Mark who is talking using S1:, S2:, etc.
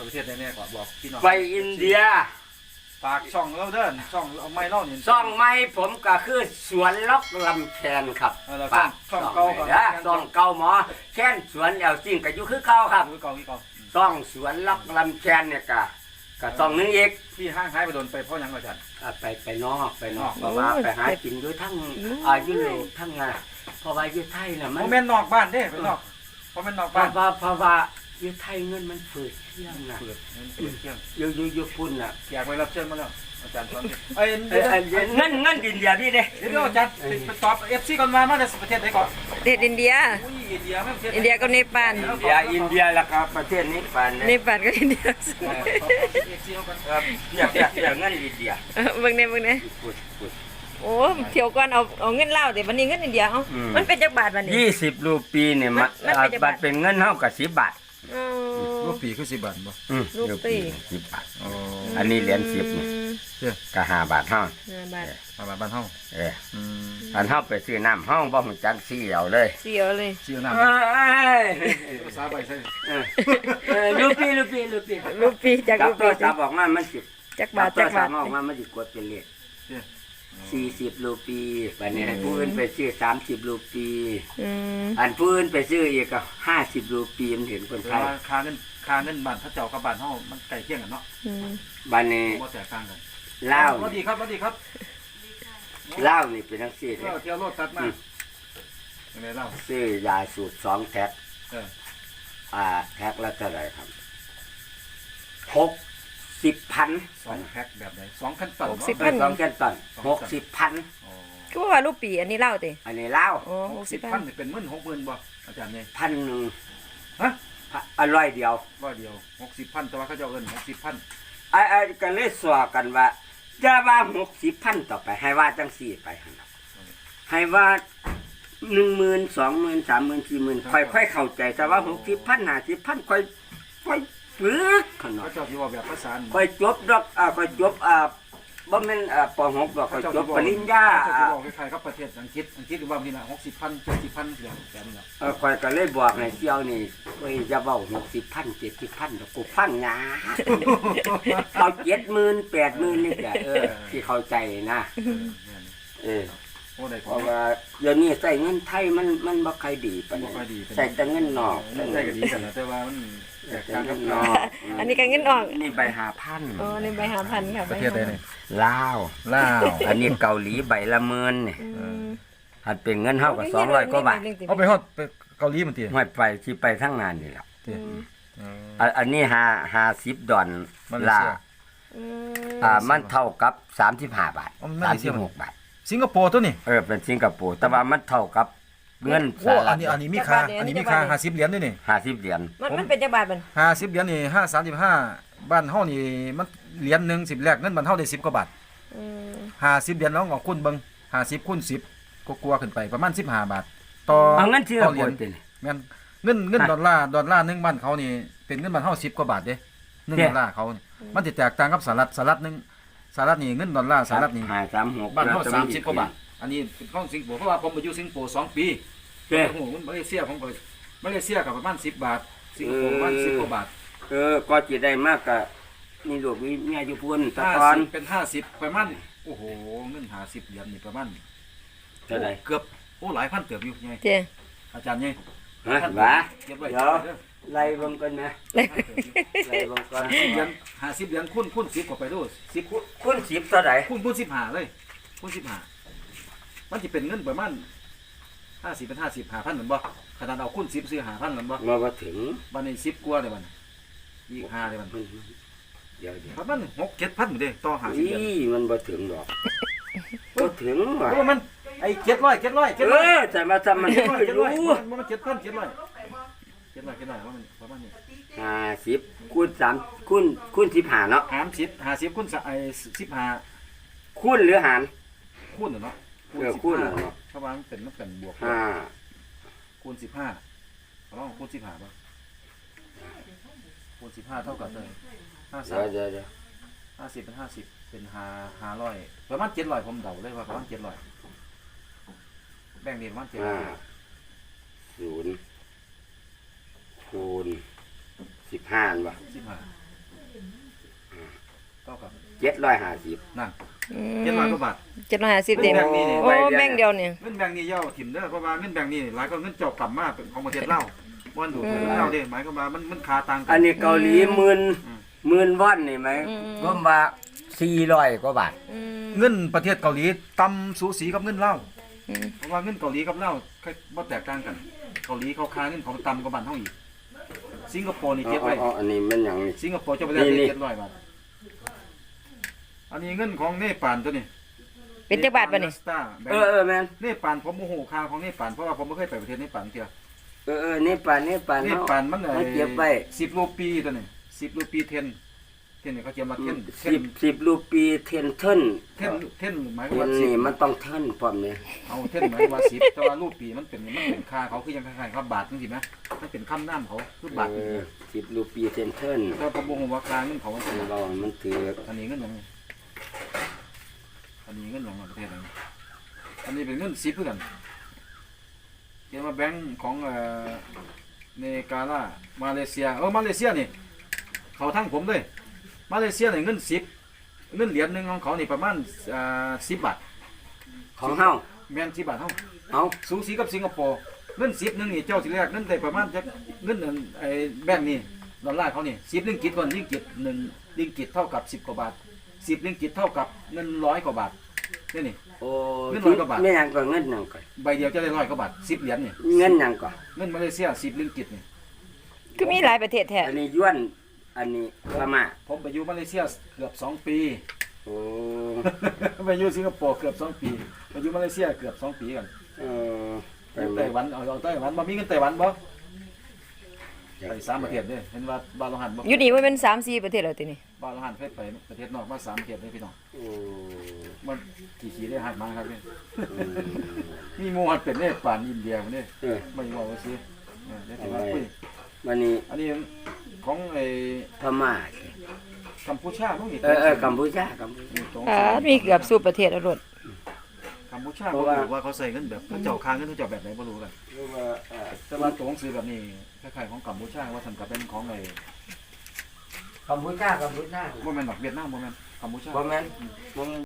S1: ประเทศไหนเนี่ยก่อนบอกพี่น้อง
S2: ไปอินเดีย
S1: ฝากช่องเราเด้อช่องเอาไม้เล่าเนี่ย
S2: ช่องไม้ผมก็คือสวนล็อกลำแคนครับ
S1: ฝากช่องเก่าก่อน
S2: ช่องเก่าหมอแค่นสวนแล้วจริงก็อยู่คือเก่าครับ
S1: คือเก่าที่เก่า
S2: ช่องสวนล็อกลำแคนเนี่ยก็ต้องนึงอีก
S1: ที่ห้างหายไปโดนไปเพราะยังอาจารย์
S2: ไปนอกเพราะว่าไปหากินด้วยทั้งยุโรปทั้งเพราะว่าอยู่ไทยน่ะมัน
S1: แม่นนอกบ้านเด้ไปนอกเพราะแม่นนอกบ้าน
S2: เพราะว่าอยู่ไทยเงินมันฝืดเที่ยงน่ะ
S1: ฝืดเที่ยง
S2: อยู่พุ่นน่ะ
S1: อยากไปรับเชิญมาแล้วอาจารย์ตอนนี้
S2: เงินดินเดียพี่เด้
S1: เดี๋ยวอาจารย์ไปตอบFCก่อนมาจากประเทศไหนก่อน
S3: ประเทศอินเดีย
S1: อินเดียไม่ประเทศ
S3: อินเดียกับเนปาล
S2: อินเดียแล้วก็ประเทศนี้ปาน
S3: เนปาลกับอินเดีย
S2: ครับอยากเงินอินเดีย
S3: เบิ่งเนี่ยโอ้เที่ยวก่อนเอาเงินลาวแต่วันนี้เงินอินเดียเอ้ามันเป็นจักบาทวันนี้
S2: 20รูปีเนี่ยบาทเป็นเงินเท่ากับ10 บาท
S1: รูปีคือ10 บาทบ่
S2: รูปี10 บาทอันนี้เหรียญ10นี่ก็5 บาทเท่า
S1: 5 บาทบ้านเฮา
S2: อันเฮาไปซื้อน้ำเฮาบ่ฮู้จักเสียวเลย
S1: เสียวน้ำภาษาใบใช่
S2: รูปี
S3: จากรูปี
S2: จะบอกว่ามัน10
S3: จักบาท
S2: บอกว่ามันสิกดเป็นเลข40 รูปีบัดนี้ผู้อื่นไปซื้อ30 รูปีอันผู้อื่นไปซื้ออีกก็50 รูปีมันเห็นคนไทย
S1: ค่าเงินบ้านพระเจ้ากับบ้านเฮามันใกล้เคียงกันเนาะ
S2: บัดนี้
S1: บ่แตกต่างกัน
S2: ลาว
S1: สวัสดีครับ
S2: ลาวนี่เป็นจังซี่เด้
S1: เที่ยวรถตัดมาจังได๋ลาว
S2: ซื้อยาสูตร2แพ็คแพ็คละเท่าไหร่ครับ60,000
S1: 2แพ็คแบบไหน2,000 ตัน
S2: 2,000 ตัน60,000
S3: คือว่ารูปีอันนี้ลาวติ
S2: อันนี้ลาว
S1: 60,000นี่เป็น10,000 60,000บ่อาจารย์นี่
S2: 1,000ฮะ100 เดียว
S1: 60,000แต่ว่าเขาเจ้าเอิ้น60,000
S2: ก็เลยสวกันว่าอย่าว่า60,000ต่อไปให้ว่าจังซี่ไปหั่นให้ว่า10,000 20,000 30,000 40,000ค่อยๆเข้าใจแต่ว่า60,000 50,000ค่อยฝึกขนาด
S1: เจ้าสิว่าแบบภาษา
S2: ค่อยจบดอกค่อยจบบ่แม่นป.6 ดอกค่อยจบปริญญา
S1: เจ้าสิบอกคล้ายๆกับประเทศอังกฤษว่านี่ล่ะ60,000 70,000แบบนี้ล่ะ
S2: ค่อยก็เลยบอกให้เที่ยวนี่เอ้ยอย่าเว้า60,000 70,000ดอกกูฟังหนาเอา70,000 80,000นี่แหละที่เข้าใจนะเพราะว่าเดี๋ยวนี้ใส่เงินไทยมันบ่ค่อยดีปานนี้ใส่แต่เงินนอก
S1: ใส่ก็ดีกันแล้วแต่ว่ามัน
S3: อันนี้ก็เงินออก
S2: นี่ใบ5,000
S3: อ๋อนี่ใบ5,000ค่ะ
S1: ประเทศใดนี่
S2: ลาวอันนี้เกาหลีใบละหมื่นนี่หัดเป็นเงินเฮาก็200กว่าบาท
S1: เอาไปฮอดไปเกาหลีมันติ
S2: ห้อยไปที่ไปทั้งงานนี่แหละอันนี้50 ดอลลาร์มันเท่ากับ35 บาท36 บาท
S1: สิงคโปร์ตัวนี้
S2: เป็นสิงคโปร์แต่ว่ามันเท่ากับเงิน
S1: สหรัฐอันนี้มีค่า50 เหรียญด้วยนี่
S2: 50 เหรียญ
S3: มันเป็นจักบาทมัน
S1: 50 เหรียญนี่535บ้านเฮานี่มันเหรียญนึง10แรกเงินบ้านเฮาได้10 กว่าบาท50 เหรียญน้องคูณเบิ่ง50 คูณ 10ก็กลัวขึ้นไปประมาณ15 บาทต่อ
S2: เงินที่เราเหรียญ
S1: แม่นเงินดอลลาร์นึงบ้านเขานี่เป็นเงินบ้านเฮา10 กว่าบาทเด้1 ดอลลาร์เขามันสิแตกต่างกับสหรัฐนึงสหรัฐนี่เงินดอลลาร์สหรัฐนี่
S2: 536
S1: บ้านเฮา30 กว่าบาทอันนี้เป็นของสิงคโปร์เพราะว่าผมไปอยู่สิงคโปร์2 ปีโอ้โหมันมาเลเซียผมก็มาเลเซียกับประมาณ10 บาทสิงคโปร์ประมาณ10 กว่าบาท
S2: ก็สิได้มากก็นี่ลูกมีเมียอยู่พุ่นตะกอน
S1: เป็น50ประมาณโอ้โหเงิน50 เหรียญนี่ประมาณ
S2: เท่าไหร่
S1: เกือบหลายพันเติบอยู่ไงอาจารย์ไง
S2: ว่าเดี๋ยวไล่บ่ก่อนนะไล่บ่ก่อน
S1: 50 เหรียญคูณ10กว่าไปดู
S2: 10คูณ10เท่าไหร่
S1: คูณ15เลยคูณ15มันสิเป็นเงินประมาณ50เป็น50 5,000เหมือนบ่ขนาดเอาคูณ10ซื้อ 5,000เหมือน
S2: บ่ถึง
S1: บัดนี้10กว่าเลยบัดอีก5เลยบัด
S2: เดี๋ยว
S1: ประมาณ6-7,000มื้อเด้ต่อ50เหรียญ
S2: มันบ่ถึงดอกบ่ถึงว่ะ
S1: มันไอ้700
S2: แต่มาทำมันไม่รู้
S1: มัน7,000 700ว่ามันประมาณนี้
S2: 50คูณ3คูณ15เนาะ
S1: 50คูณ15
S2: คูณหรือหาร
S1: คูณเนาะ
S2: คูณเนาะ
S1: เพราะว่ามันเป็นบวกคูณ15ลองคูณ15ป่ะคูณ15เท่ากับเลย50
S2: เดี๋ยว
S1: 50เป็น50เป็น500ประมาณ700ผมเดาเลยว่าประมาณ700แบ่งนี่ประมาณ700
S2: 0คูณ15ป่ะ
S1: เท่ากับ
S2: 750
S1: นั่น
S3: อื
S1: 700กว่าบาท
S3: 750เต็ม
S1: แบ่งนี่นี่
S3: โอ้แบ่งเดียวนี่
S1: เงินแบงค์นี่ย่อถิ่มเด้อเพราะว่าเงินแบงค์นี่หลายก็เงินเจ้ากลับมาเป็นของประเทศลาวบ่ดูดเงินลาวเด้หมายความว่ามันค่าต่างกั
S2: อันนี้เกาหลีหมื่นวอนนี่ไหมก็ว่า400 กว่าบาท
S3: อืม
S1: เงินประเทศเกาหลีต่ำสูสีกับเงินลาว
S3: อืม
S1: เพราะว่าเงินเกาหลีกับลาวบ่แตกต่างกันเกาหลีเขาค่าเงินของต่ำกว่าบ้านเฮาอีกสิงคโปร์นี่เก็บไว้
S2: อันนี้มันหยังนี่
S1: สิงคโปร์จะไปได้
S2: นี่
S1: 700 บาทอันนี้เงินของเนปาลตัวนี้
S3: เป็นจักบาทบ่นี่
S2: แม่น
S1: เนปาลผมโมโหค่าของเนปาลเพราะว่าผมไม่เคยไปประเทศเนปาลเที่ยว
S2: นี่ปาน
S1: เนปาลมัน
S2: เก็บไว้
S1: 10 รูปีตัวนี้10 รูปีเทนนี่เขาเขียนมาเทน
S2: 10รูปีเทนเทิน
S1: เทนหมายความว่า
S2: นี่มันต้องเทินพร้อมนี่
S1: เอาเทนหมายความว่า10แต่ว่ารูปีมันเป็นค่าเขาคือยังคล้ายๆกับบาทจังซี่มั้ยมันเป็นคำนามเขาคือบาทนี่
S2: 10รูปีเทนเทิน
S1: แต่ผมบ่ฮู้ว่าค่าเงินเขามันเป็น
S2: เรามันถือ
S1: อันนี้เงินหยังนี่อันนี้เงินหยังประเทศไหนอันนี้เป็นเงิน10คือกันเขียนว่าแบงก์ของเนกาลามาเลเซียมาเลเซียนี่เขาทั้งผมเลยมาเลเซียนี่เงิน10เงินเหรียญหนึงของเขานี่ประมาณ10 บาท
S2: ของเฮา
S1: แม่น10 บาทเฮา
S2: เอา
S1: สูสีกับสิงคโปร์เงิน10นึงนี่เจ้าสิแรกเงินได้ประมาณจักเงินอันไอ้แบงก์นี่ดอลลาร์เขานี่10ริงกิตก่อนริงกิต1ริงกิตเท่ากับ10กว่าบาท10ริงกิตเท่ากับเงิน100กว่าบาทนี่
S2: โอ้
S1: เงิน100กว่าบาท
S2: ไม่หยังก็เงินหยังก็
S1: ใบเดียวจะได้100กว่าบาท10เหรียญนี่
S2: เงินหยังก็
S1: เงินมาเลเซีย10ริงกิตนี่
S3: คือมีหลายประเทศแท้
S2: อันนี้ย้วนอันนี้พม่า
S1: ผมไปอยู่มาเลเซียเกือบ2 ปี
S2: โอ้
S1: ไปอยู่สิงคโปร์เกือบ2 ปีไปอยู่มาเลเซียเกือบ2 ปีกัน
S2: เออไป
S1: ไต้หวันเอาไต้หวันบ่มีเงินไต้หวันบ่ไป3ประเทศเด้เห็นว่าบาโลหันบ่
S3: อยู่นี่มันเป็น3-4ประเทศแล้วตินี่
S1: บาโลหันเคยไปประเทศนอกมา3ประเทศเลยพี่น้อง
S2: โอ้
S1: มันขี่ได้หักมาครับนี่
S2: อืม
S1: มีหมู่หัดเป็นเนปาลอินเดียพุ่นนี่
S2: เออ
S1: ไม่ว่าว่าสิเดี๋ยวสิว่าคุย
S2: วันนี้
S1: อันนี้ของไอ้
S2: พม่า
S1: กัมพูชาบ่มี
S2: กัมพูชา
S3: มีเกือบสู่ประเทศแล้วโลด
S1: กัมพูชาบ่รู้ว่าเขาใส่เงินแบบเขาเจ้าค้างเงินเขาเจ้าแบบไหนบ่รู้กัน
S2: หรือว่า
S1: แต่ว่าตัวหนังสือแบบนี้คล้ายๆของกัมพูชาว่าซั่นก็เป็นของไอ้
S2: กัมพูชา
S1: บ่แม่นดอกเวียดนามบ่แม่นกัมพูชา
S2: บ่แม่นบ่